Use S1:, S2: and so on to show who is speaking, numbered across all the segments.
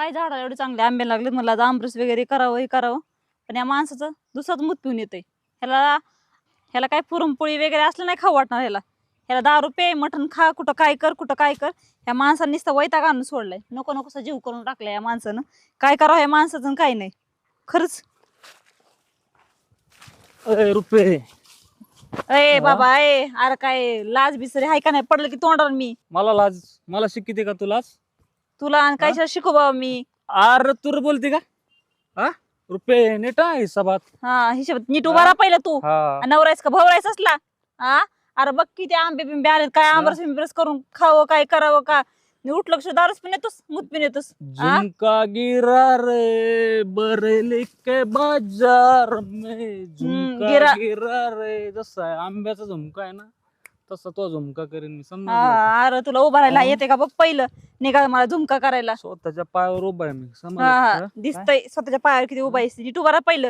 S1: काय झाडाला एवढे चांगले आंबे लागले, मला आज आमरस वगैरे करावं हे करावं, पण या माणसाचं दुसराच मूत पिऊन येतंय. ह्याला ह्याला काय पुरणपोळी वगैरे असलं नाही खाऊ वाटणार ह्याला. ह्याला दारू पे, मटण खा, कुठं काय कर कुठं काय कर. ह्या माणसाने नुसतं वैताग आणून सोडलाय. नको नकोसा जीव करून टाकलाय या माणसानं. काय करावं या माणसाचं काय नाही खरंच.
S2: अरे रुपये
S1: अरे बाबा अरे काय लाज बिसरी हाय का नाही, पडलं की तोंडावर मी.
S2: मला लाज, मला शिकिते का तुलाच?
S1: तुला आणि काय शिकू बाबा मी.
S2: अरे तू बोलते का? हा रुपये नीट आहे हिसाबात.
S1: हा हिशोबात नीट उभा राहा पहिला तू.
S2: हा
S1: नवरायस का भवरायस असला? हा अरे बघ किती आंबे बिंबे आलेत, काय आंबरस बिंबरस करून खावं काय करावं का. उठलं लक्ष दारूच पिऊन येतोस, मूत पिऊन येतोस.
S2: झुमका गिरा रे बरेली के बाजार में, झुमका
S1: गिरा.
S2: गिरा रे. जसा आहे आंब्याचा झुमका आहे ना, तसा तो झुमका करेन मी. समजा
S1: अरे तुला उभा राहायला येते का बघ पहिलं, निघा मला झुमका करायला.
S2: स्वतःच्या पायावर उभा आहे मी.
S1: हा
S2: समज
S1: दिसतंय स्वतःच्या पायावर किती उभा आहेस. नीट उभा राहा पहिलं.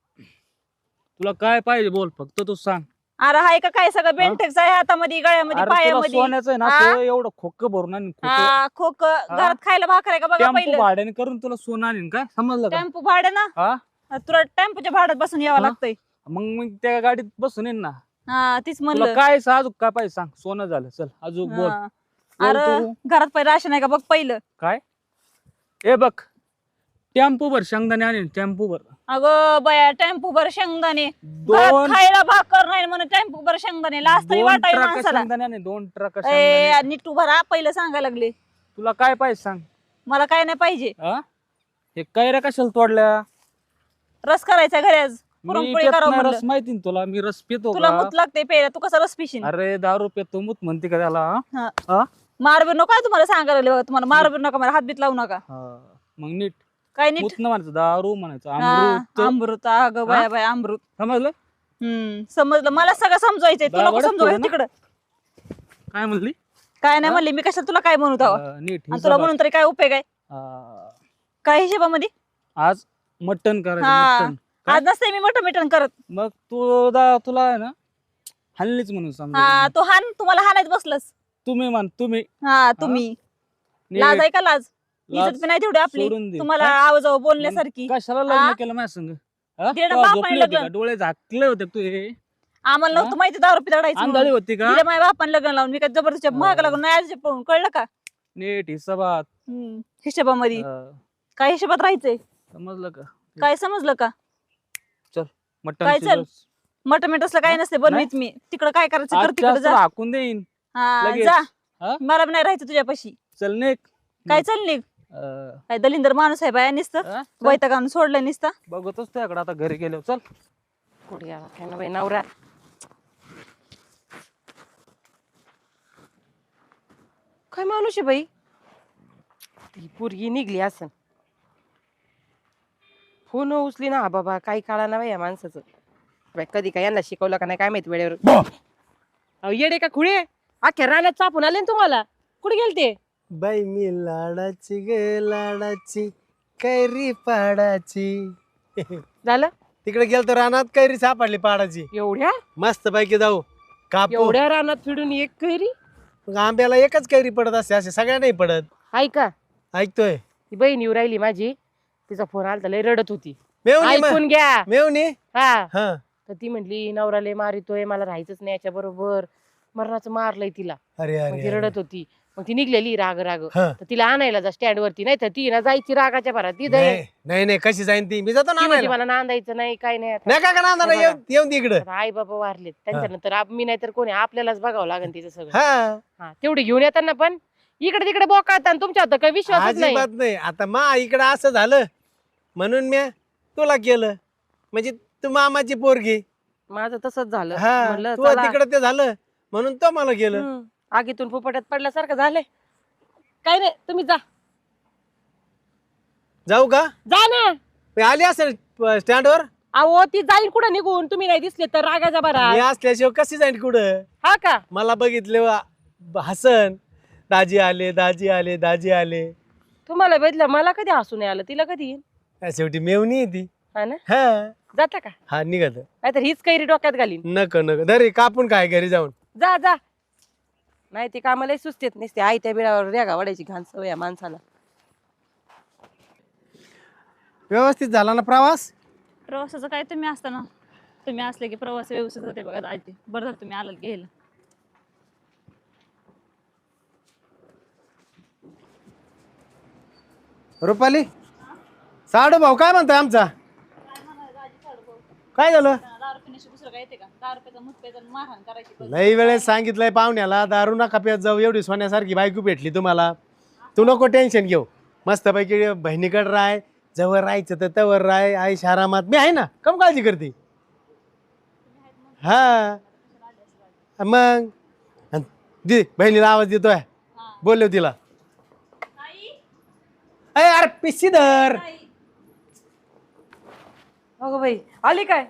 S2: तुला काय पाहिजे बोल, फक्त तू सांग.
S1: अरे हाय का काय सगळं बेंटेक्स आहे हातामध्ये, गळ्यामध्ये,
S2: अरे तुला
S1: पायामध्ये.
S2: सोन्याचं आहे ना,
S1: हा?
S2: तो एवढं खोक भरून आणि
S1: हा खोक घरात खायला भाकर आहे का बघा
S2: टेम्पो
S1: पहिलं.
S2: भाड्याने करून तुला सोनं आणीन काय, समजलं का?
S1: टेम्पो भाडं ना,
S2: हा
S1: तुला टेम्पोच्या भाड्यात बसून यावं
S2: हा?
S1: लागतंय.
S2: मग मी त्या गाडीत बसून येईन ना.
S1: हा तीच
S2: तुला
S1: म्हणलं.
S2: काय अजून काय पाहिजे सांग. सोनं झालं, चल अजून बोल.
S1: हा.
S2: बोल
S1: अरे
S2: तू.
S1: घरात पहिलं राशन आहे का बघ पहिलं.
S2: काय ए बघ, टेम्पो भर शेंगदाणे आणीन, टेम्पो भर.
S1: अगं बया टेम्पो भर शेंगदाणे, घरात
S2: दोन
S1: खायला भाकर नाही म्हणून टेम्पो भर शेंगदाणे, लाज तरी वाटाय
S2: ट्रक
S1: माणसाला.
S2: शेंगदाणे आणीन, 2 ट्रक शेंगदाणे.
S1: नीट उभा राहा पहिलं सांगायला लागले.
S2: तुला काय पाहिजे सांग.
S1: मला काय नाही पाहिजे.
S2: हा हे कैऱ्या कशाला तोडल्या?
S1: रस करायचा घरी आज,
S2: मी
S1: पुरणपोळी
S2: पित
S1: करावं
S2: नाही,
S1: म्हणलं.
S2: रस माहिती ना तुला, मी रस पितो
S1: तुला
S2: का?
S1: मूत लागते प्यायला, तू कसा रस पिशील.
S2: अरे दारू पितो, मूत म्हणते का त्याला?
S1: हा.
S2: हा?
S1: मारबीर नको आहे तुम्हाला सांगायला लागले बघा, तुम्हाला मारबीर नका, मला हातबीत लावू नका.
S2: हा. मग नीट
S1: काय नीट.
S2: मूत न म्हणायचं, दारू म्हणायचं,
S1: हा,
S2: अमृत.
S1: अमृत अगं बाया बाया अमृत.
S2: समजलं?
S1: समजलं. मला सगळं समजायचंय, तू नको
S2: दावडच
S1: समजावं
S2: थोडं ना.
S1: तिकडं.
S2: काय म्हणली?
S1: काय नाही म्हणली मी, कशाला तुला काय म्हणू तेव्हा.
S2: नीट
S1: आणि तुला
S2: हिशोबात.
S1: म्हणून तरी काय उपयोग आहे. काय हिशोबामध्ये.
S2: आज मटन करायचं,
S1: हा.
S2: मटन. काय?
S1: आज नसते मी मटण मिटण करत.
S2: मग तुला आहे ना हल्लीच म्हणून समजा.
S1: हा तो हान, तुम्हाला हाणायच बसलस.
S2: तुम्ही मान, तुम्ही
S1: हा तुम्ही.
S2: नीट.
S1: लाज आहे का लाज.
S2: लाज
S1: इज्जत पण नाही तेवढी आपली
S2: सोडून दे.
S1: तुम्हाला
S2: काय?
S1: आवाजाव बोलण्यासारखी.
S2: कशाला
S1: हा?
S2: लग्न केलं माझ्या संग? हा?
S1: दीड
S2: तेव्हा
S1: बापाने
S2: झोपली होती
S1: लग्न.
S2: का? डोळे झाकले होते का तू? हे
S1: आम्हाला
S2: हा?
S1: नव्हतं माहिती दारू पितडायचं
S2: आंधळी होती का?
S1: तिला माझ्या बापाने लग्न लावून, मी काय जबरदस्ती महाग लागून नाही आजचे पळून, कळलं का.
S2: नीट हिसाबात.
S1: हिशोबामध्ये
S2: हा.
S1: काय हिशोबात राहायचंय.
S2: समजलं का?
S1: काय समजलं का.
S2: मटन
S1: काय चल? मटण मिटसलं काय नसते बनवीत मी. तिकडं काय करायचं कर, तिकडे जा.
S2: हाकून देईन
S1: हा
S2: लगेच.
S1: जा.
S2: हा?
S1: मला बी नाही राहायचं तुझ्यापाशी.
S2: चल नेक.
S1: काय चल निघ. काय दलिंदर माणूस आहे बाया नुसतं.
S2: हा?
S1: वैताग आणून सोडलंय नुसतं.
S2: बघतोच त्याकडे आता घरी गेलो. चल.
S3: कुठे गेला काय ना बाई नवरा. काय माणूस आहे बाई. ती पोरगी निघली असन. फोन उचली ना बाबा, काही काळा ना बाई या माणसाचं. बाई कधी काय यांना शिकवलं का नाही काय माहिती वेळेवर. अहो येडे का खुळे, अख्ख्या रानात चापून आले ना तुम्हाला. कुठे गेलते?
S4: बाई मी लाडाची गे लाडाची कैरी पाडाची.
S3: झालं
S4: तिकडे गेलतो रानात, कैरी सापडली पाडाची.
S3: एवढ्या
S4: मस्त पैकी जाऊ कापू.
S3: एवढ्या रानात फिरून एक कैरी.
S4: मग आंब्याला एकच कैरी पडत असते, असे सगळ्या नाही पडत.
S3: ऐका,
S4: ऐकतोय.
S3: ती बहीण येऊ राहिली माझी, तिचा फोन आला लय रडत होती.
S4: मेवणी
S3: ऐकून घ्या.
S4: मेवणी.
S3: हा
S4: हा
S3: तर ती म्हटली नवराले मारितोय, मला राहायचंच नाही याच्या बरोबर, मरणाचं मारलंय तिला.
S4: अरे
S3: मग ती
S4: अरे
S3: रडत होती. मग ती निघलेली राग राग.
S4: हा.
S3: तर तिला आणायला जा स्टँड वरती, नाही तर ती ना जायची रागाच्या भरात. ती दे
S4: नाही नाही नाही, कशी जाईन ती, मी जातो ना
S3: ती म्हणते
S4: आणायला.
S3: मला नांदायचं नाही काय नाही. आता
S4: नाही का नांदा
S3: बघा.
S4: येऊन दे इकडं.
S3: आता आई बाबा वारलेत त्यांच्यानंतर मी नाही तर कोणी, आपल्यालाच बघावं लागेल तिचं सगळं.
S4: हा
S3: हा तेवढे घेऊन येताना पण इकडे तिकडे बोकात, आणि तुमच्या आता काही विश्वासच नाही.
S4: अजिबात नाही. आता मा इकडं असं झालं म्हणून मी तुला केलं, म्हणजे तू मामाची पोरगी.
S3: माझं तसंच झालं.
S4: हा
S3: म्हणलं
S4: तू
S3: चला.
S4: तिकडं ते झालं म्हणून तो मला केलं.
S3: आगीतून फुफट्यात पडल्यासारखं झालंय. काय नाही तुम्ही जा
S4: जाऊ का?
S3: जा ना.
S4: मी आली असेल स्टँडवर.
S3: अहो ती जाईल कुठं निघून, तुम्ही नाही दिसले तर रागाच्या भरात.
S4: मी असल्याशिवाय कशी जाईन कुठं?
S3: हा का?
S4: मला बघितले हसन, दाजी आले दाजी आले दाजी आले.
S3: तुम्हाला बघितलं, मला कधी हसू नाही आलं, तिला कधी येईल.
S4: शेवटी मेवणी आहे ती.
S3: हा ना.
S4: हा
S3: जाता का?
S4: हा निघत.
S3: नाहीतर हीच कैरी डोक्यात घालीन.
S4: नको नको दरी कापून काय घरी जाऊन.
S3: जा जा. नाही ते कामाला सुचतेत नसते, आई त्या बिळावर रेगा वाढायची घाण सवय या माणसाला.
S4: व्यवस्थित झाला ना प्रवास?
S1: प्रवासाचं काय तुम्ही असताना, तुम्ही असले की प्रवास व्यवस्थित होते बघा दाजी. बरं झालं तुम्ही आलात घ्यायला.
S4: रुपाली, साडू भाऊ काय म्हणतोय आमचा? काय झालं?
S1: दारू पिण्याशी दुसरं काय येते का? दारू प्यायचा मुठ प्यायचा आणि मारहाण करायची.
S4: लई वेळेस सांगितलंय पाहुण्याला दारू नका पित जाऊ, एवढी सोन्यासारखी बायको भेटली तुम्हाला. तू नको टेन्शन घेऊ, मस्तपैकी बहिणीकडे राय, जवळ राहायचं तर तवर राय, आई शारामात मी आहे ना, कम काळजी करते. हा मग दे बहिणीला आवाज देतोय, बोललो तिला. अरे पिशी धर.
S3: अगं बाई आली काय?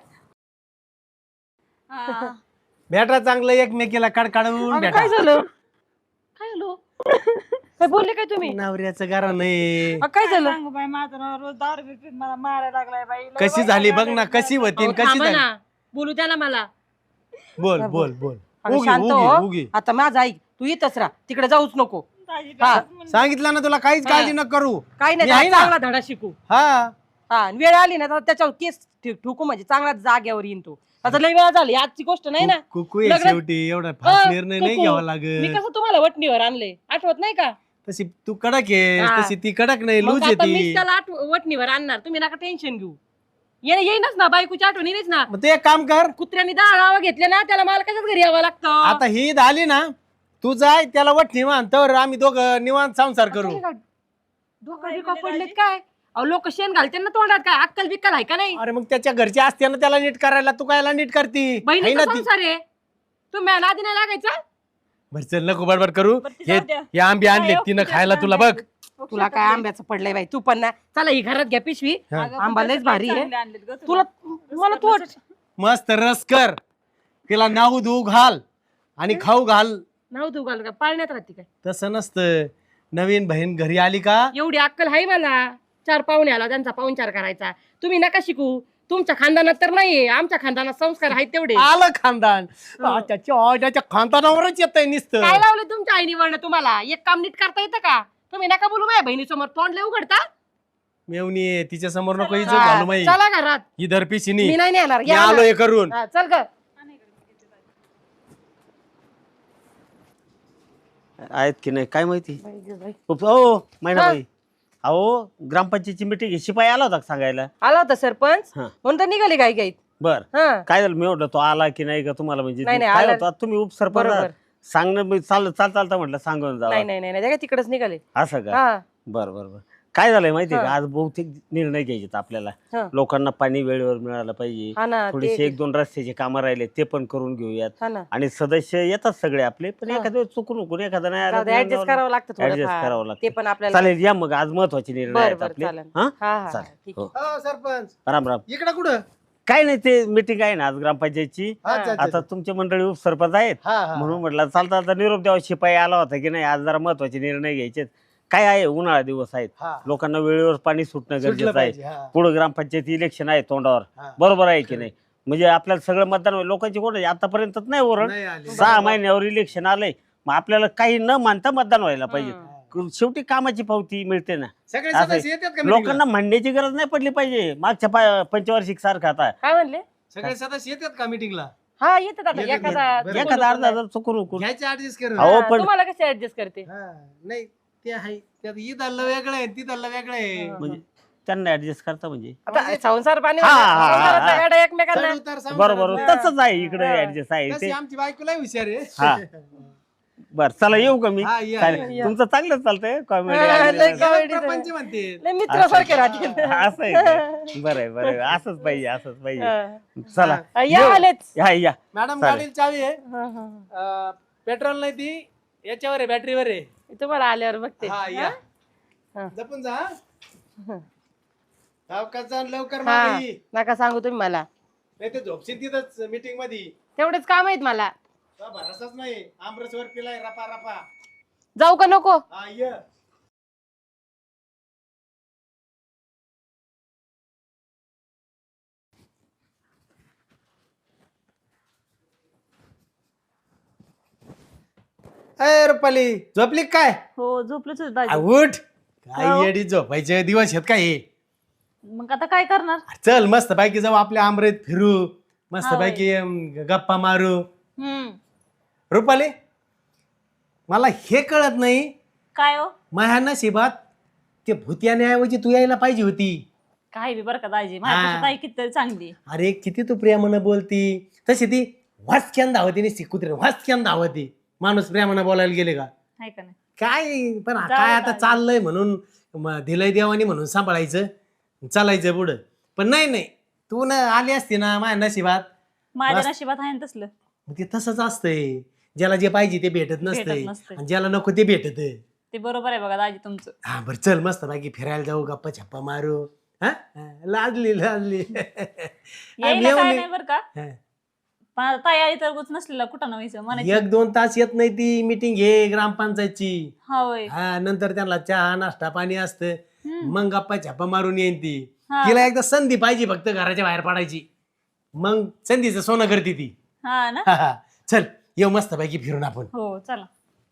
S4: भेटा चांगलं एकमेकीला कडकाडून
S3: अगं,
S4: भेटा.
S3: काय झालं? काय झालं? काय बोलले काय तुम्ही?
S4: नवऱ्याचं गारा नाही.
S3: काय झालं?
S1: सांगू बाई, माझा नवरा रोज दारू पिऊन मला मारायला लागलाय बाई. लय
S4: कशी
S1: वाईट
S4: झाली
S1: लागलंय
S4: बघ ना,
S1: बाई.
S4: कशी होती
S3: अहो,
S4: कशी
S3: थांबा
S4: झाली.
S3: ना. बोलू द्या ना मला.
S4: बोल बोल बोल.
S3: अगं,
S4: उगी
S3: शांत
S4: उगी
S3: हो.
S4: उगी.
S3: आता माझं ऐक, तू इथंच राहा, तिकडे जाऊच नको.
S1: दाजी
S3: हा.
S1: तसंच म्हणलं.
S4: सांगितलं ना तुला, काहीच
S3: हा.
S4: काळजी न करू.
S3: काही
S4: मी आहे
S3: नाही,
S4: ना.
S3: चांगला धडा शिकू.
S4: हा
S3: हा आणि वेळ आली ना तर त्याच्यावर केस ठोकू, म्हणजे चांगला जाग्यावर येईन तू. आता लय वेळा झाली, आजची गोष्ट नाही ना.
S4: कुकू आहे
S3: लग्न-
S4: शेवटी, एवढा फास्ट निर्णय नाही
S3: कुकू.
S4: घ्यावा
S3: मी
S4: लागत.
S3: कसं तुम्हाला वटणीवर आणले, आठवत नाही का?
S4: तशी तू कडक आहे,
S3: हा.
S4: तशी ती कडक नाही,
S3: मग
S4: लूज
S3: आता मीच
S4: येते.
S3: त्याला वटणीवर आणणार, तुम्ही नका टेन्शन घेऊ. येईनच ना, बायकोची आठवण येईनच ना.
S4: मग तू एक काम कर,
S3: कुत्र्याने 10 नावं घेतले ना, त्याला मालकाच्याच घरी यावं लागतं.
S4: आता ही झाली ना, तू जाय त्याला वट निवांत, तर आम्ही दोघं निवांत संसार करू.
S3: डोका बिका पडलेत काय? अहो लोक शेण घालते ना तोंडात, काय अक्कल बिक्कल आहे का नाही?
S4: अरे मग त्याच्या घरची असते ना त्याला नीट करायला, तू कायला नीट करती? आहे
S3: बहिणीचा
S4: ना ती.
S3: संसार आहे, तुम्ही नादी नाही लागायचा.
S4: बरं चल, नको बडबड करू.
S1: बरं, ती
S4: हे
S1: जाऊ द्या.
S4: हे आंबे आणले
S1: काय
S4: तिनं
S1: हो,
S4: खायला
S1: किती
S4: तुला
S1: छान
S4: बघ.
S1: आहे.
S3: तुला काय आंब्याचं पडलंय बाई, तू पण ना. चला ही घरात घ्या पिशवी.
S4: हा.
S1: अगं,
S3: आंबा
S1: पण
S3: लयच
S1: तसं
S3: भारी आहे.
S1: चांगले आणलेत गं
S3: तुला मला तू
S4: मस्त रस कर, तिला नाऊ धू घाल आणि खाऊ घाल.
S3: नाव तू घाल का पाळण्यात राहते काय?
S4: तसं नसतं. नवीन बहीण घरी आली का,
S3: एवढी अक्कल आहे मला. 4 पाहुणे आला, त्यांचा पाहुणचार करायचा. तुम्ही नका शिकू, तुमच्या खानदानात तर नाहीये, आमच्या खानदानात संस्कार आहेत तेवढे.
S4: आलं खानदान.
S3: हो.
S4: त्याच्या खानदानावरच येतंय नुसतं.
S3: काय लावले तुमच्या आईनी वळण तुम्हाला? एक काम नीट करता येतं का? तुम्ही नका बोलू माझ्या बहिणीसमोर, तोंड लय उघडता.
S4: मेवणी आहे, तिच्या समोर नको इज्जत
S3: हा,
S4: घालू माई.
S3: चला घरात.
S4: ही धरपिशीनी
S3: मी नाही नेणार,
S4: मी
S3: या
S4: आलो
S3: ना.
S4: हे करून.
S3: हा, चल ग.
S5: आहेत की नाही काय माहिती. हो मैनाबाई, अहो ग्रामपंचायतीची मिटिंग शिपाई आला होता का सांगायला?
S3: आला होता सरपंच,
S5: हा.
S3: म्हणून तर निघाले काय गाईत.
S5: बर,
S3: हा
S5: काय झालं मी म्हटलं तो आला की नाही का तुम्हाला, म्हणजे
S3: नाही, नाही,
S5: काय
S3: आला.
S5: होतं आता तुम्ही उपसरपंच
S3: बरोबर.
S5: सांगणं मी चालता म्हटलं सांगून
S3: नाही
S5: जावं
S3: नाही नाही नाही, तिकडेच निघाले.
S5: असं का?
S3: हा
S5: बर बर बर. काय झालंय माहिती का,
S3: हा.
S5: आज बहुतेक निर्णय घ्यायचे आपल्याला.
S3: हा.
S5: लोकांना पाणी वेळेवर मिळालं पाहिजे.
S3: हा ना,
S5: थोडेसे
S3: ते
S5: 1-2 रस्त्याचे कामं राहिले ते पण करून घेऊयात.
S3: हा ना.
S5: आणि सदस्य येतात सगळे आपले, पण
S3: हा.
S5: एखाद्या चुकून एखादा नाही आला तर
S3: ऍडजस्ट करावं लागतं
S5: adjust
S3: थोडं,
S5: करावं लागतं.
S3: ते पण आपल्याला.
S5: चालेल या मग, आज महत्वाचे निर्णय
S3: बर
S5: आहेत
S3: बर
S5: आपले.
S3: चालेल.
S5: हा
S3: हा हा
S5: चालेल.
S3: ठीक
S5: हो.
S4: हो, सरपंच
S5: राम राम.
S4: इकडं कुठं?
S5: काय नाही, ते मीटिंग आहे ना आज ग्रामपंचायतची.
S4: अच्छा, अच्छा,
S5: आता तुमचे मंडळी उपसरपंच आहेत,
S4: हा, हा.
S5: म्हणून म्हटलं चालता निरोप द्यावा. शिपाई आला होता की नाही, आज जरा महत्वाचे निर्णय घ्यायचे. काय आहे, उन्हाळा दिवस आहेत,
S4: हा.
S5: लोकांना वेळेवर पाणी सुटणं
S4: सुटलं
S5: गरजेचं
S4: पाहिजे,
S5: आहे.
S4: हा.
S5: पुढे ग्रामपंचायती इलेक्शन आहे तोंडावर,
S4: हा.
S5: बरोबर आहे की नाही? म्हणजे आपल्याला सगळं मतदान होईल. लोकांची कोण आतापर्यंत नाही ओरड.
S4: नाही आली.
S5: 6 महिन्यावर इलेक्शन आलंय, मग आपल्याला काही न मानता मतदान व्हायला पाहिजे. शेवटी कामाची पावती मिळते ना.
S4: सगळे
S5: असं
S4: सदस्य येतात का
S5: लोकांना
S4: meeting ला?
S5: म्हणण्याची गरज नाही पडली पाहिजे. मागच्या पंचवार्षिक सारखं आता
S3: काय म्हणले?
S4: सगळे सदस्य येतात का मीटिंगला?
S3: हा येतात आता,
S4: येतात,
S3: एखादा
S4: बरं.
S5: एखादा अर्धा जर चुकून उकून.
S4: घ्यायचे ऍडजस्ट करून.
S5: अहो, पण
S3: तुम्हाला कसे ऍडजस्ट करते?
S4: हा, नाही ते आहे, त्यात ईद आलं वेगळं आहे, तीद आलं वेगळं आहे.
S5: म्हणजे त्यांना ऍडजस्ट करता म्हणजे
S3: आता संसार पाणी
S5: हा, हा, हा,
S3: संसाराचा
S5: हा.
S3: गाडा एकमेकांना.
S4: चढ उतार संसारात.
S5: बरोबर तसंच आहे इकडे
S3: हा.
S5: ऍडजस्ट आहे
S4: तशी
S5: ते.
S4: आमची बायकोला हुशार आहे.
S5: हा. बर चला येऊ का मी?
S4: हा, या,
S5: चालेल.
S3: या.
S5: तुमचं चांगलं चालतंय
S3: हा, लय
S5: कॉमेडी.
S3: comedy आहे.
S4: प्रपंच म्हणते.
S3: लय मित्रासारखे राहते.
S5: असं आहे का? बरं आहे, बरं आहे. असंच पाहिजे, असंच पाहिजे. चला
S3: हा, या आलेच.
S5: या
S4: मॅडम
S5: चालेल.
S4: गाडीला चावी आहे,
S3: हा, हा.
S4: पेट्रोल नाही, ती याच्यावर आहे, बॅटरीवर आहे.
S3: तुम्हाला आल्यावर बघते.
S4: हा, या.
S3: हा.
S4: जपून जा. सावकाश जा, लवकर
S3: हा
S4: मागे ये.
S3: नका सांगू तुम्ही मला,
S4: नाही ते झोपशील तिथंच मीटिंग मध्ये.
S3: तेवढेच काम आहेत मला.
S4: तुला भरोसाच नाही, आमरसवर पिलाय रपा रपा.
S3: जाऊ का नको?
S4: हा, ये. अय रुपाली, झोपली का काय?
S1: हो झोपलेच होते
S4: आ,
S1: दाजी.
S4: उठ.
S1: हो.
S4: काय येडी झोपायचे दिवस आहेत काय हे?
S1: मग आता काय करणार?
S4: चल मस्त पैकी जाऊ आपल्या आमरेत फिरू, मस्त
S1: हा,
S4: पैकी गप्पा मारू.
S1: हम्म.
S4: रुपाली, मला हे कळत नाही,
S1: काय हो?
S4: माझ्या नशिबात ते भूत्यानेऐवजी तू यायला पाहिजे होती.
S1: काय बी बरं का दाजी, माझ्यापेक्षा ताई कितीतरी चांगली.
S4: अरे किती तू प्रेमानं बोलती, तशी ती वाचक्यान धावती नाही, कुत्रे वाचक्यान धावती. माणूस प्रेमानं बोलायला गेले का
S1: आहे का नाही?
S4: काय, पण
S1: जाऊ
S4: काय आता
S1: चालेल.
S4: चाललंय म्हणून दिलंय देवानी म्हणून सांभाळायचं, चालायचं पुढं. पण नाही, तू न आली असती ना माझ्या नशिबात,
S1: माझ्या
S4: बस.
S1: नशिबात आहे ना तसलं.
S4: मग ते तसंच असतंय, ज्याला जे पाहिजे ते भेटत नसतंय
S1: नसतंय.
S4: आणि ज्याला नको ते भेटत.
S1: ते बरोबर आहे बघा दाजी तुमचं.
S4: हा बरं चल मस्त बाकी फिरायला जाऊ, गप्पा छप्पा मारू. हा लाजली
S1: यायला काय नाही बरं का,
S4: हा.
S1: पण आता ताई आली तर गुच नसलेला कुठं व्हायचं म्हणायचं.
S4: 1-2 तास येत नाही ती मीटिंग घे ग्रामपंचायतची.
S1: हा होय.
S4: हा नंतर त्यांना चहा नाश्ता पाणी असतं,
S1: हम्म.
S4: मग गप्पा छप्पा मारून येईन ती.
S1: हा.
S4: तिला एकदा संधी पाहिजे फक्त घराच्या बाहेर पडायची, मग संधीचं सोनं करते ती.
S1: हा ना.
S4: हा. चल येऊ मस्त पैकी फिरून आपण.
S1: हो चला.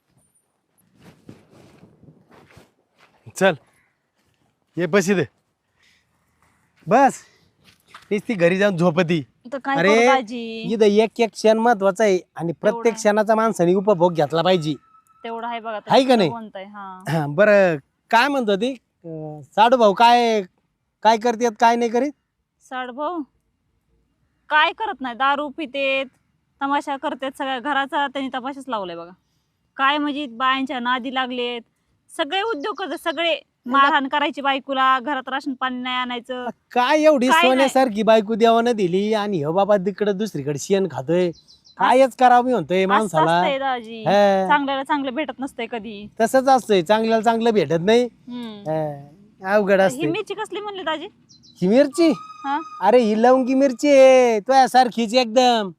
S4: चल ये बस इथे बस, ती घरी जाऊन झोपती.
S1: तर काय
S4: अरे,
S1: करू दाजी,
S4: इथं एक एक क्षण महत्वाचा आहे आणि प्रत्येक
S1: तेवढं.
S4: क्षणाचा माणसाने उपभोग घेतला पाहिजे.
S1: तेवढं आहे बघा.
S4: आहे का नाही?
S1: कोणतं आहे? हा.
S4: हा, बरं काय म्हणतो ती साडू भाऊ, काय काय करतेत काय नाही करीत?
S1: साड भाऊ काय करत नाही, दारू पितेत, तमाशा करतेत, सगळ्या घराचा त्यांनी तमाशाच लावलाय बघा. काय म्हणजे बायांच्या नादी लागलेत, सगळे उद्योग करतात, सगळे मारहाण करायची बायकोला, घरात राशन पाणी नाही आणायचं.
S4: काय एवढी
S1: काय नाही.
S4: सोन्यासारखी बायको देवानं दिली आणि हो बाबा तिकडे दुसरीकडे शेण खातोय, कायच करावं मी म्हणतोय
S1: असं
S4: माणसाला.
S1: असतंय दाजी,
S4: हा.
S1: चांगल्याला चांगलं भेटत नसतंय कधी.
S4: तसंच असतंय, चांगल्याला चांगलं भेटत नाही.
S1: हम्म.
S4: हा, अवघड
S1: ही
S4: असते.
S1: मिरची कसली म्हणली दाजी?
S4: ही मिरची,
S1: हा.
S4: अरे ही लवंगी मिरची आहे तुझ्यासारखीच एकदम.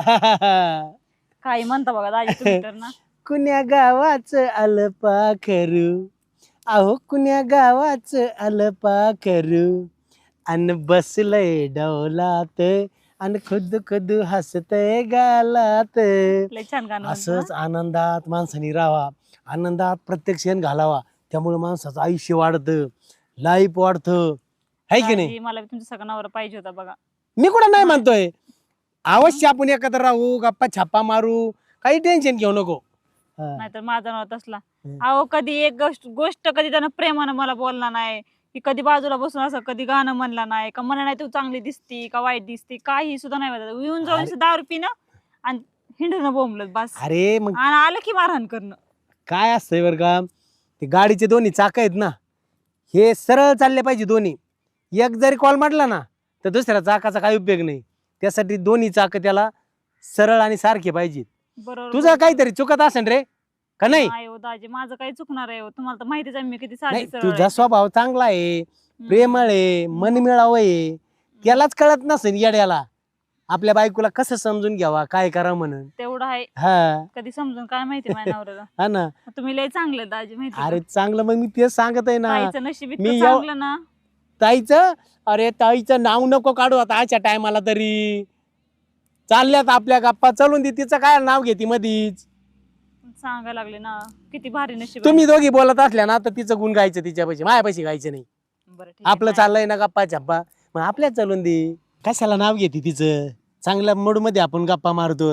S1: काय म्हणता बघा दाजी तुम्ही तर ना.
S4: कुण्या गावाचं आलं पाखरू, अहो कुण्या गावाचं आलं पाखरू, अन बसलंय डौलात अन खुद खुद हसतय गालात.
S1: लय छान गाणं म्हणतो
S4: असंच
S1: ना.
S4: आनंदात माणसाने राहावा, आनंदात प्रत्येक क्षण घालावा, त्यामुळे माणसाचं आयुष्य वाढतं, लाईफ वाढतं, है की नाही?
S1: दाजी, मला बी तुमचा सगळा नवरा पाहिजे होता बघा.
S4: मी कुठं नाही म्हणतोय, अवश्य आपण एकत्र राहू, गप्पा छापा मारू, काही टेन्शन घेऊ नको. हा.
S1: नाहीतर माझा नवरा तसला.
S4: हम्म.
S1: अहो कधी एक गोष्ट कधी त्यानं प्रेमानं मला बोलला नाही, की कधी बाजूला बसून असं कधी गाणं म्हणला नाही, का म्हणा नाही तू चांगली दिसती का वाईट दिसती, काही सुद्धा नाही म्हणत. येऊन जाऊन
S4: अरे.
S1: असं दारू पिणं आणि हिंडणं बोंबलत बस,
S4: अरे मग
S1: आणि आलं की मारहाण करणं.
S4: काय असतंय बरं का, ते गाडीचे दोन्ही चाक आहेत ना, हे सरळ चालले पाहिजे दोन्ही. एक जरी कॉल मारला ना तर दुसऱ्या चाकाचा काही उपयोग नाही, त्यासाठी दोन्ही चाक त्याला सरळ आणि सारखे पाहिजेत.
S1: बरोबर.
S4: तुझं काहीतरी चुकत असेल रे का नाही?
S1: नाही हो दाजी, माझं काही चुकणार आहे हो, तुम्हाला तर माहितीच आहे मी किती साधी
S4: नाही,
S1: सरळ
S4: तुझा
S1: आहे.
S4: स्वभाव चांगला आहे,
S1: हम्म.
S4: प्रेमळ आहे, मनमिळाव आहे, त्यालाच कळत नसेल येड्याला आपल्या बायकोला कसं समजून घ्यावा, काय करा म्हणून.
S1: तेवढं आहे,
S4: हा
S1: कधी समजून काय माहिती माझ्या नवऱ्याला.
S4: हा ना.
S1: तुम्ही लय चांगले दाजी, माहिती
S4: अरे चांगलं, मग मी तेच सांगत आहे ना.
S1: ताईचं नशीब
S4: मी
S1: इतकं चांगलं ना.
S4: ताईचं, अरे ताईचं नाव नको काढू आता आजच्या टायमाला तरी. चालल्यात आपल्या गप्पा, चालून दे, तिचं काय नाव घेते मधीच.
S1: सांगायला लागले ना, किती भारी नशीब आहे.
S4: तुम्ही दोघी बोलत असल्या ना तर तिचं गुण गायचं तिच्या पैसे, माझ्या पैसे गायचं नाही.
S1: बरं ठीक आहे,
S4: आपलं
S1: काय-
S4: चाललंय ना गप्पा छप्पा, मग आपल्याच चालून दे. कशाला नाव घेते तिचं, चांगल्या मूड मध्ये आपण गप्पा मारतो.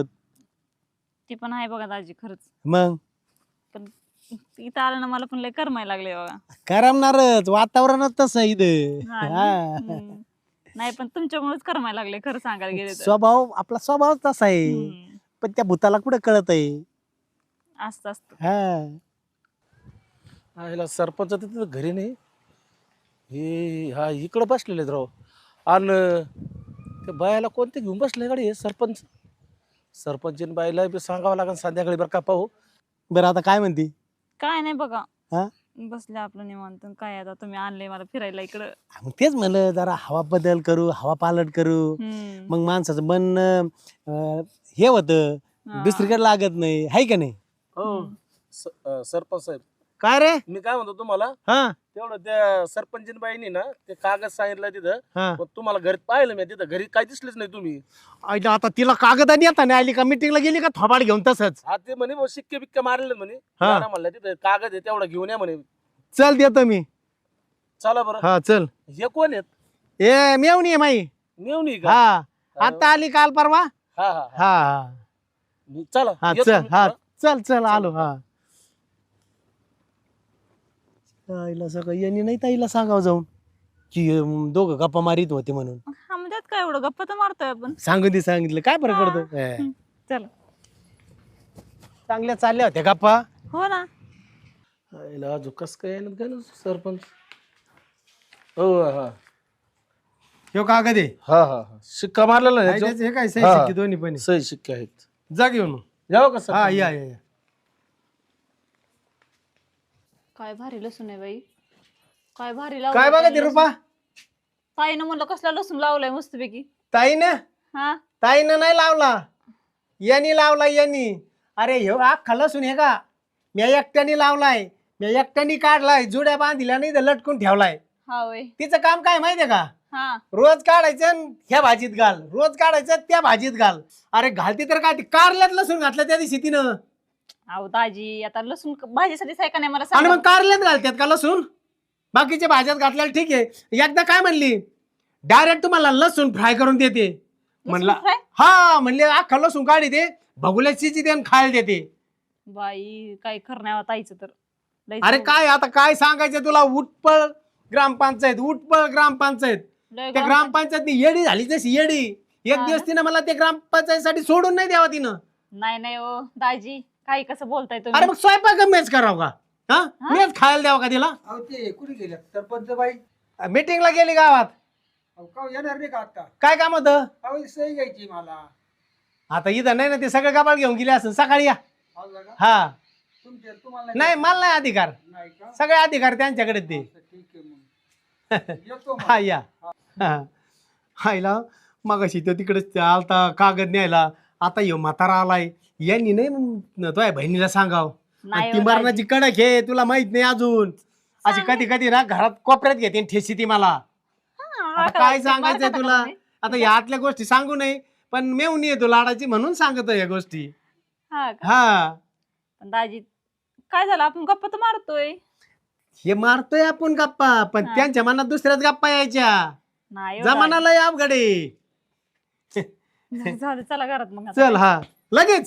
S1: ती पण आहे बघा दाजी खरंच.
S4: मग
S1: पण इथं आलं ना मला पण लय करमायला लागले बघा.
S4: करमणारच, वातावरणच तसं आहे इथं.
S1: हा ना?
S4: हा.
S1: हम्म. नाही पण तुमच्यामुळेच करमायला लागले खरं सांगायला गेले तर.
S4: स्वभाव, आपला स्वभाव तसा आहे,
S1: हम्म.
S4: पण त्या भूताला कुठं कळत आहे.
S1: असतं असतं.
S4: हा
S6: ह्याला सरपंच तिथं घरी नाही, हे हा इकडं बसलेले आहेत राव. आणि ते बायाला कोणते घेऊन बसले गाडी, हे सरपंच. सरपंचीन बाईला बी सांगावं लागेल संध्याकाळी बरं का पाहू.
S4: बरं आता काय म्हणते?
S1: काय नाही बघा,
S4: हा?
S1: बसले आपलं निवांत. काय आता तुम्ही आणले मला फिरायला इकडं.
S4: मग तेच म्हणलं, जरा हवा बदल करू, हवा पालट करू,
S1: हम्म.
S4: मग माणसाचं मन हे होतं,
S1: हा.
S4: दुसरीकडे लागत नाही, हाय का नाही?
S6: हो सरपंच साहेब,
S4: काय रे?
S6: मी काय म्हणतो तुम्हाला,
S4: हा
S6: तेवढं त्या सरपंचीन बाईनी ना ते कागद सांगितलं तिथं,
S4: हा.
S6: पण तुम्हाला घरी पाहिलं मी तिथं, घरी काय दिसलेच नाही तुम्ही.
S4: आईला आता तिला कागदानी येता नाही आली का, मीटिंगला गेली का थोबाड घेऊन तसंच?
S6: हा ते म्हणे बुवा शिक्के बिक्के मारले म्हणे.
S4: हा.
S6: दादा म्हणलं तिथं कागद आहे तेवढा घेऊन या म्हणे.
S4: चल देतो मी.
S6: चला बरं.
S4: हा चल.
S6: हे कोण आहेत?
S4: ए मेवणी आहे माई.
S6: नेऊन का?
S4: हा आता आली काल परवा.
S6: हा हा
S4: हा हा
S6: चला
S4: हा
S6: येतो
S4: चल
S6: मी
S4: हा
S6: थोडं.
S4: चल चल आलो. हा ताईला सगळं यांनी नाही ताईला सांगावं जाऊन की दोघं गप्पा मारित होते म्हणून.
S1: हा म्हणजे त्यात काय एवढं गप्पा तर मारतोय आपण.
S4: सांगितलं काय फरक
S1: हा.
S4: पडतो.
S1: चला.
S4: चांगल्या चालल्या होत्या गप्पा.
S1: हो ना.
S6: आईला अजून कस काय येणार काय ना सरपंच. हो हा
S4: ह्यो कागद आहे.
S6: हा हा हा शिक्का मारलेला आहे याच्यावर?
S4: हे काय सही
S6: हा.
S4: शिक्के दोन्ही पण आहे.
S6: सही शिक्के आहेत.
S4: जा घेऊन मग.
S6: जाऊ का
S4: हा
S6: सरपंच?
S4: या या या.
S1: काय भारी लसूण आहे बाई. काय भारी
S4: काय बघा ते रुपा.
S1: ताईनं म्हणलं कसला लसूण लावलाय मस्तपैकी.
S4: ताईनं
S1: हा
S4: ताईनं नाही लावला, यांनी लावला यांनी. अरे ह्यो अख्खा लसूण हे का मी एकट्याने लावलाय, मी एकट्याने काढलाय, जुड्या बांधिल्या नाही तर लटकून ठेवलाय.
S1: हा वय.
S4: तिचं काम काय माहितीये का,
S1: हा
S4: रोज काढायचं आणि ह्या भाजीत घाल, रोज काढायचं त्या भाजीत घाल. अरे घालती तर काय, ती कारल्यात लसूण घातलं त्या दिवशी तिनं.
S1: अहो दाजी आता लसूण भाजीसाठीच आहे का नाही मला
S4: आणि
S1: सांगा.
S4: मग कारल्यात घालतात का लसूण, बाकीच्या भाज्यात घातल्याला ठीक आहे. एकदा काय म्हणली, डायरेक्ट तुम्हाला लसूण फ्राय करून देते. म्हणला
S1: लसूण fry?
S4: हा, म्हणले अख्खा लसूण काढी दे, भगुल्याची दे आणि खायला देते.
S1: बाई काय करण्यावर ताईचं तर लईच
S4: अरे
S1: अवघड.
S4: काय आता काय सांगायचं तुला, उटपळ ग्रामपंचायत, उटपळ ग्रामपंचायत.
S1: लय
S4: त्या ग्रामपंचायत येडी झाली तशी येडी. एक
S1: हा
S4: दिवस
S1: ना?
S4: तिनं मला त्या ग्रामपंचायतीसाठी सोडून नाही द्यावा तिनं.
S1: नाही नाही ओ दाजी काही कसं बोलताय
S4: अरे
S1: तुम्ही.
S4: मग स्वयंपाक मेच करावं का, हा
S1: हा?
S4: मेच खायला द्यावं का तिला.
S7: अहो ते कुठे गेले सरपंच बाई?
S4: मीटिंगला गेली गावात.
S7: अहो का येणार नाही का आता?
S4: काय काम होतं.
S7: अहो सही घ्यायची मला.
S4: आता इथं नाही ना, ते सगळं गाबाळ घेऊन गेले असं. सकाळी या.
S7: हो का?
S4: हा
S7: तुम्हाला
S4: नाही, मला नाही अधिकार,
S7: नाही का?
S4: सगळे अधिकार त्यांच्याकडे ते.
S7: असं ठीक आहे मग. येतो मग.
S4: हा या. हायला मगाशी तो तिकडेच आलता कागद न्यायला. आता यो म्हातारा आलाय, यांनी नाही तुझ्या बहिणीला सांगाव.
S1: नाही
S4: ती
S1: हो
S4: मरणाची कडक आहे, तुला माहित नाही अजून. अशी कधी कधी ना घरात कोपऱ्यात घेते आणि ठेसी ती मला.
S1: हा,
S4: आता
S1: आता
S4: काय
S1: ते
S4: सांगायचंय
S1: मारता
S4: तुला.
S1: का तुम्ही?
S4: आता या आतल्या गोष्टी सांगू नये, पण मेवणी येतो लाडाची म्हणून सांगतो या गोष्टी.
S1: हा का?
S4: हा
S1: पण दाजी काय झालं, आपण गप्पा तर मारतोय.
S4: हे मारतोय आपण गप्पा, पण
S1: हा.
S4: त्यांच्या मनात दुसऱ्याच गप्पा यायच्या.
S1: नाही हो
S4: जमाना लय अवघड आहे.
S1: दाजी. जाऊ दे, चला घरात मग आता.
S4: चल हा लगेच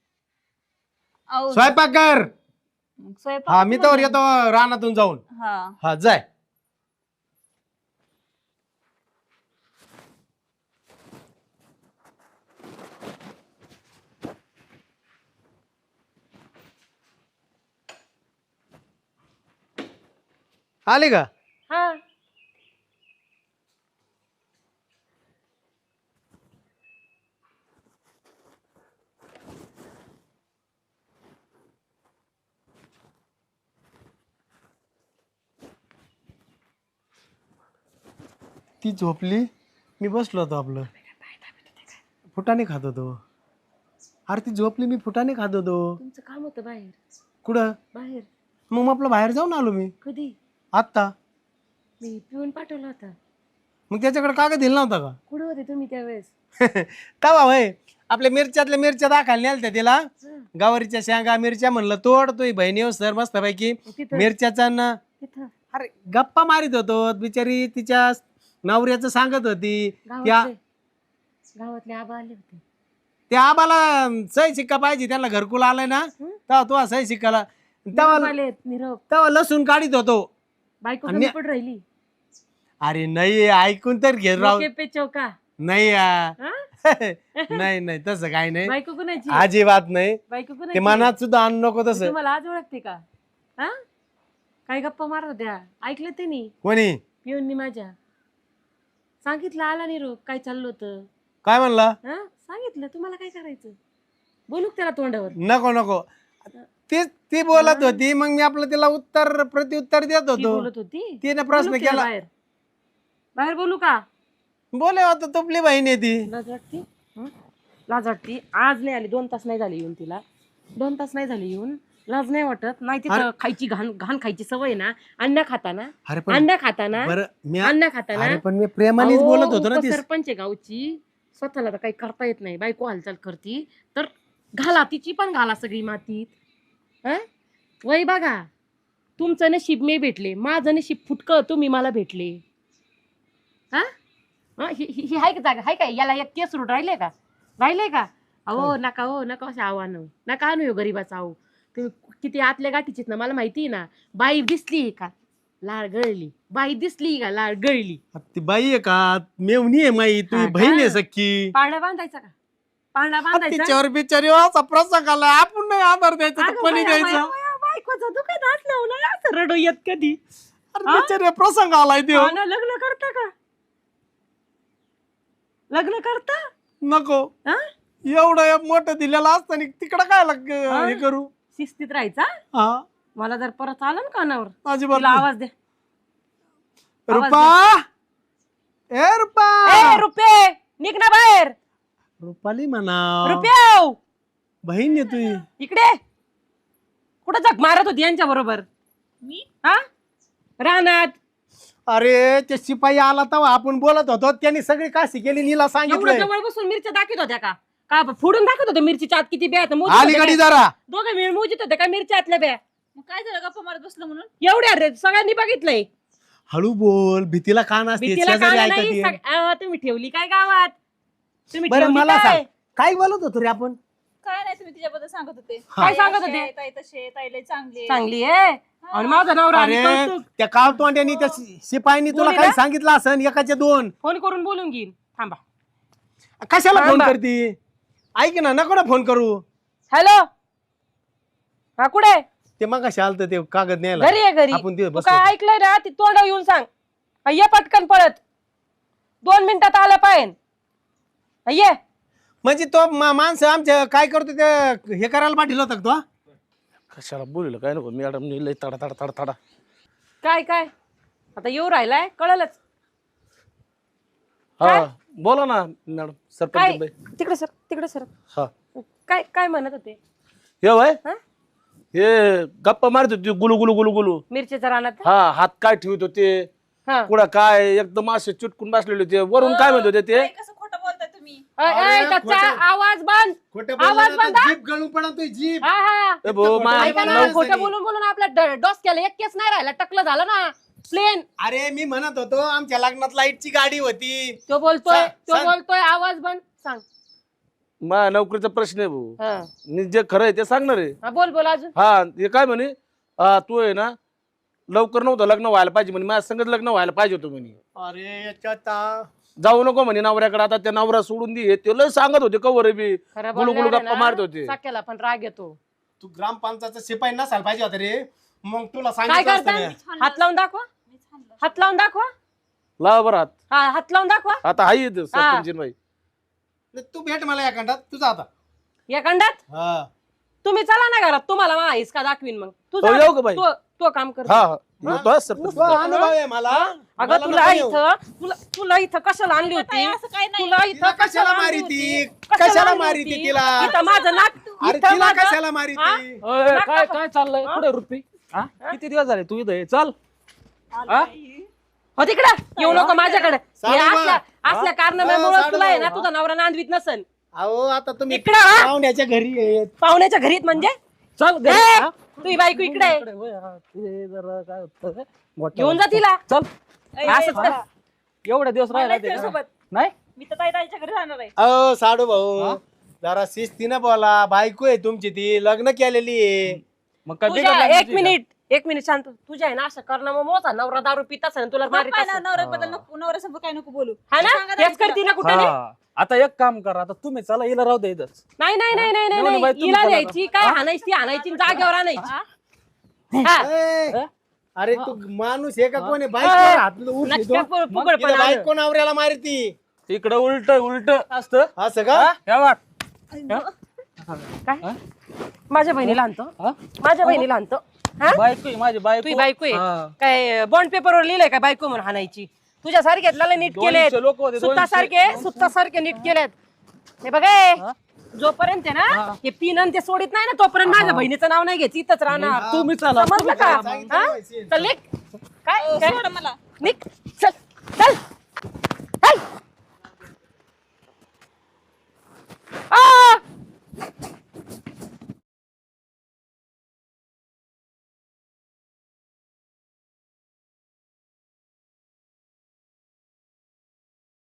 S1: अहो,
S4: स्वयंपाक कर.
S1: मग स्वयंपाक
S4: हा मी तर
S1: तुम्हाला-
S4: येतो रानातून जाऊन.
S1: हा
S4: हा जाय. आले का.
S3: हा
S4: ती झोपली, मी बसलो होतो आपलं फुटाने खात होतो. अरे ती झोपली, मी फुटाने खात होतो.
S3: तुमचं काम होतं बाहेर.
S4: कुठं.
S3: बाहेर
S4: मग आपलं बाहेर जाऊन आलो मी
S3: कधी?
S4: आत्ता.
S3: मी पिऊन पाठवला होता.
S4: मग त्याच्याकडे कागद दिला नव्हता का.
S3: कुठे होते तुम्ही त्यावेळेस?
S4: तवा होय, आपल्या मिरच्यातल्या मिरच्या दाखायला नेलत्या तिला. गवारीच्या शेंगा मिरच्या म्हणलं तोड, तो बहिणी हो सर मस्त पैकी
S3: तिथं
S4: मिरच्याचा ना.
S3: तिथं
S4: अरे गप्पा मारित होतो, बिचारी तिच्या नवऱ्याचं सांगत होती. त्या
S3: गावातले आबा आले होते.
S4: त्या आम्हाला सही शिक्का पाहिजे, त्यांना घरकुल आलाय ना, तेव्हा तो सही शिक्काला तेव्हा
S3: आले निरोप.
S4: तेव्हा लसूण काढीत होतो.
S3: बायको
S4: आणि-
S3: कमी पड राहिली.
S4: अरे नाही, ऐकून तर घे राव.
S3: डोके पे चौका.
S4: नाही
S3: हा?
S4: नाही नाही तसं काही नाही,
S3: बायको कुणाची?
S4: अजिबात नाही.
S3: बायको
S4: ते
S3: कुणाची?
S4: मनात सुद्धा आणू नको
S3: मी
S4: तसं.
S3: तुम्हाला आज ओळखते का? हा काय गप्पा मारत होत्या, ऐकलं त्यांनी
S4: कोणी
S3: पिऊननी माझ्या. सांगितलं आला निरोप, काय चाललं होतं.
S4: काय म्हणला.
S3: हा सांगितलं तुम्हाला काय करायचं. बोलू का त्याला तोंडावर?
S4: नको नको, ती बोलत होती, मग मी आपलं तिला उत्तर प्रत्युत्तर देत
S3: ती
S4: होतो.
S3: बोलत होती.
S4: तिने प्रश्न
S3: बोलू का
S4: केला.
S3: बाहेर बाहेर बोलू का?
S4: बोले होता तुपली बहीण आहे ती.
S3: लाज वाटती. लाज वाटती. आज नाही आली, 2 तास नाही झाले येऊन तिला. 2 तास नाही झाले येऊन. लाज नाही वाटत? नाही तिथं खायची घाण घाण खायची सवय ना. अंड्या खाताना,
S4: अरे पण
S3: अंड्या खाताना,
S4: बरं मी
S3: अंड्या खाताना.
S4: अरे पण मी प्रेमानेच
S3: अहो,
S4: बोलत होतो ना ती.
S3: उपसरपंच आहे गावची, स्वतःला तर काही करता येत नाही. बायको हालचाल करती तर घाला, तिची पण घाला सगळी मातीत. हा वय बघा, तुमचं नशीब मी भेटले, माझं नशीब फुटकं तुम्ही मला भेटले. हा हा, ही आहे का जागा आहे काय याला एक केस रूट राहिले का अहो नका हो नका असे आव्हान नका आणू गरीबाचा आहो तुम्ही किती आतल्या गाठीचीत ना मला माहिती आहे ना बाई दिसली का लाळ गळली बाई दिसली का लाळ गळली
S4: ती बाई आहे का मेवणी आहे माई तुझी
S3: हा का?
S4: बहीण आहे सख्खी
S3: पाळणा बांधायचा का पाळणा बांधायचा
S4: तिच्यावर बिचारी असा प्रसंग आला आपण नाही आधार द्यायचा तर
S3: अगं
S4: कोणी
S3: बाया,
S4: द्यायचं
S3: बाया, बाया, बायकोचं दुखत असलं ना असं रडू येत कधी
S4: अरे बिचारी प्रसंग आलाय देव
S3: हा ना, लग्न करता का लग्न करता
S4: नको
S3: हा?
S4: एवढं एक मोठं दिलेलं असतं तिकडं काय हे करू
S3: शिस्तीत राहायचा
S4: हा
S3: मला जर परत आलं ना कानावर
S4: अजिबात
S3: तिला
S4: नाही.
S3: आवाज दे
S4: रुपा ए रुपा
S3: ए रुपये निघ ना बाहेर
S4: रुपाली म्हणा
S3: रुपये
S4: बहीण आहे तुझी
S3: इकडे कुठं जग मारत होती यांच्या बरोबर
S1: मी
S3: हा रानात
S4: अरे ते शिपाई आला तेव्हा आपण बोलत होतो त्यांनी सगळी काशी केली नीला
S3: एवढं
S4: सांगितलं
S3: जवळ बसून मिरच्या दाखवत होत्या का फोडून दाखवत होत्या मिरचीच्या आत किती ब्या
S4: अलीकडे जरा
S3: दोघं मिळून मोजित होते का मिरच्या आतल्या ब्या
S1: मग काय झालं गप्पा मारत बसलं म्हणून
S3: एवढ्या रे सगळ्यांनी बघितलंय
S4: हळू बोल भीतीला कान असते
S3: भीतीला
S4: शेजारी
S3: कान नाही
S4: ऐकते.
S3: तुम्ही ठेवली काय गावात तुम्ही
S4: बरं
S3: ठेवली
S4: मला
S3: काय
S4: सांग काय बोलत होतो रे आपण
S1: काय नाही तुम्ही तिच्याबद्दल सांगत होते
S3: काय सांगत होते?
S1: ताई तसे ताईले चांगले
S3: चांगली आहे आणि माझा नवरा आणि
S4: अरे
S3: कौतुक.
S4: त्या काळ तोंड्यानी त्या शिपाईनी तुला
S3: बोली
S4: काही
S3: ना?
S4: सांगितलं असन एकाचे दोन
S3: फोन करून बोलून घेईन थांबा
S4: कशाला फोन
S3: थांबा.
S4: करती ऐक ना नको ना फोन करू
S3: हॅलो हा कुठे
S4: ते मग कशा आलत ते कागद न्यायला
S3: घरी आहे घरी
S4: आपण तिथे
S3: तू
S4: बसलो
S3: काय
S4: होतो.
S3: ऐकलंय ना ती तोंड येऊन सांग हा, ये पटकन पळत 2 मिनिटात आलं पाहिजे हा, ये
S4: म्हणजे तो माणसं आमच्या काय करतो ते हे करायला पाठील होता का तो
S6: कशाला बोललं काय नको मॅडम लय तडा तडा तडा तडा
S3: काय आता येऊ राहिलाय कळलंच
S6: हा बोला ना मॅडम
S3: काय
S6: सरपंच बाई.
S3: तिकडे सर
S6: हा
S3: काय म्हणत होते
S6: हे वय
S3: हा?
S6: हे गप्पा मारत होते गुलू गुलू गुलू गुलू
S3: मिरचीच्या रानात
S6: हा हात काय ठेवत होते
S3: हा.
S6: कुठं काय एकदम असे चुटकून बसलेले होते वरून काय म्हणत होते ते
S1: ताई, कसं खोटं बोलताय तुम्ही
S4: अरे,
S3: त्याचा
S4: खोटं.
S3: आवाज बंद
S4: खोटं
S3: आवाज
S4: बोलला
S3: बंद.
S4: जीप गळून पडा तुझी जीप
S3: हा हा
S6: ए भाऊ, मा-
S3: ऐका ना
S4: बोलायचं
S3: खोटं
S4: नाही.
S3: बोलून आपल्या डोसक्याला एक केस नाही राहिला टकलं झालं ना प्लेन
S4: अरे मी म्हणत होतो आमच्या लग्नात लाईटची गाडी होती
S3: तो बोलतोय
S4: सांग.
S3: आवाज बंद सांग
S6: मा नोकरीचा प्रश्न आहे भाऊ
S3: हा.
S6: मी जे खरं आहे ते सांगणार आहे
S3: हा, बोल अजून
S6: हा हे काय म्हणे तू आहे ना लवकर नव्हतं लग्न व्हायला पाहिजे म्हणे माझ्या संगत लग्न व्हायला पाहिजे होतं म्हणे
S4: अरे याच्यात
S6: जाऊ नको म्हणे नवऱ्याकडे आता त्या नवरा सोडून दे ते लय सांगत होते कवर बी
S3: खरं
S6: गुलू गुलू
S3: बोलल्यावर
S6: गप्पा
S3: आहे
S6: मारत
S3: ना,
S6: होते
S3: साक्याला पण राग येतो
S4: तू ग्रामपंचायतचा शिपाई नसायला पाहिजे होता रे मग तुला
S3: काय
S4: सांगितलं असतं
S3: करता
S4: मी.
S3: हात लावून दाखवा
S1: मी थांबलो.
S3: हात लावून दाखवा
S6: लावा बरं हात
S3: हा हात लावून दाखवा
S6: आता हाय इथं सरपंच बाई
S4: तू भेट मला या खंडात तुझा आता
S3: या खंडात
S4: हा
S3: तुम्ही चला ना घरात तुम्हाला मा हिसका दाखवीन मग तू
S6: हो,
S3: जा.
S6: येऊ का बाई?
S3: तो काम कर
S6: हा हा येतो हा सरपंच
S4: तो अनुभव आहे मला
S3: अगं
S4: मला
S3: तुला
S4: नको येऊ.
S3: तुला इथं कशाला आणली
S1: ताई,
S3: होती
S1: असं काय नाही
S3: तुला
S4: तिला
S3: इथं
S4: कशाला
S3: आणली
S4: मारी
S3: होती?
S4: ती?
S3: कशाला
S4: कशाला
S3: आणली
S4: मारी
S3: होती?
S4: ती तिला?
S3: इथं माझं नाक
S4: अरे
S3: इथं
S4: तिला
S3: माझं-
S4: कशाला मारी
S3: हा?
S4: ती
S2: ओय, काय चाललंय कुठे रुपी हा किती दिवस झाले तू इथं आहे? चल हा?
S3: हो तिकडे येऊ नको माझ्याकडे
S4: साडू
S3: हे
S4: बा.
S3: असल्या कारणामुळे
S4: साडू
S3: तुला आहे ना
S4: बा.
S3: तुझा नवरा नांदवीत नसन
S4: अहो आता तुम्ही
S3: इकडं हा?
S4: पाहुण्याच्या घरी आहेत
S3: पाहुण्याच्या घरीत म्हणजे
S2: चल घरी,
S3: ए,
S2: हा?
S3: तुझी बायको इकडे आहे.
S2: इकडे होय, हा. ते जरा काय होतं मोठं
S3: घेऊन जा तिला
S2: चल
S3: असंच कर.
S2: एवढे दिवस राहिला
S1: मला
S2: ते का?
S1: सोबत
S2: नाही
S1: मी तर ताईच्या घरी राहणार आहे
S4: अहो साडू भाऊ जरा शिस्तीनं बोला बायको आहे तुमची ती लग्न केलेली आहे
S2: मग काय
S3: तुझ्या
S2: बिघडलं
S3: एक मिनिट शांत तुझ्या आहे ना असं करणं मोठा नवरा दारू पित असेल तुला मारित असेल.
S1: नवऱ्याबद्दल नको नवऱ्यासमोर काय नको बोलू
S3: हा ना
S1: सांगा
S3: हेच करते ना कुठे
S2: हा. आता एक काम करा आता तुम्ही चला हिला राहू दे इथंच.
S3: नाही नाही नाही नाही
S2: नाही,
S3: नाही
S2: बाई, तुम्ही
S3: हिला
S2: चला
S3: द्यायची काय आणायची आणायची जागेवर आणायची हा.
S4: ए, अरे तू माणूस आहे का कोण आहे बायको
S3: हा.
S4: हातलं उठ
S3: नटक्या फुगड पण आलं.
S4: बायको नवऱ्याला मारती
S2: इकडं उलट असतं
S4: असं का
S2: हा? हे वाट
S3: काय माझ्या बहिणीला आणतो
S2: हा?
S3: माझ्या बहिणीला आणतो हा
S2: बायको आहे, माझी
S3: तुझी बायको आहे
S2: हा.
S3: काय बॉन्ड पेपरवर लिहिलंय का बायको म्हणून हाणायची तुझ्या सारख्यातला नीट केलेत
S2: 200 लोकं होते, 200.
S3: सुत्तासारखे नीट केलेत हे बघे जोपर्यंत आहे ना हे पिन आणि ते सोडित नाही ना तोपर्यंत माझ्या बहिणीचं नाव नाही घ्यायचं इथंच राहणार
S2: तुम्ही चला
S3: समजलं का
S4: सांगितलं
S3: हा?
S4: नाही,
S3: चल निघ. काय
S1: सोडा मला
S3: निघ चल चल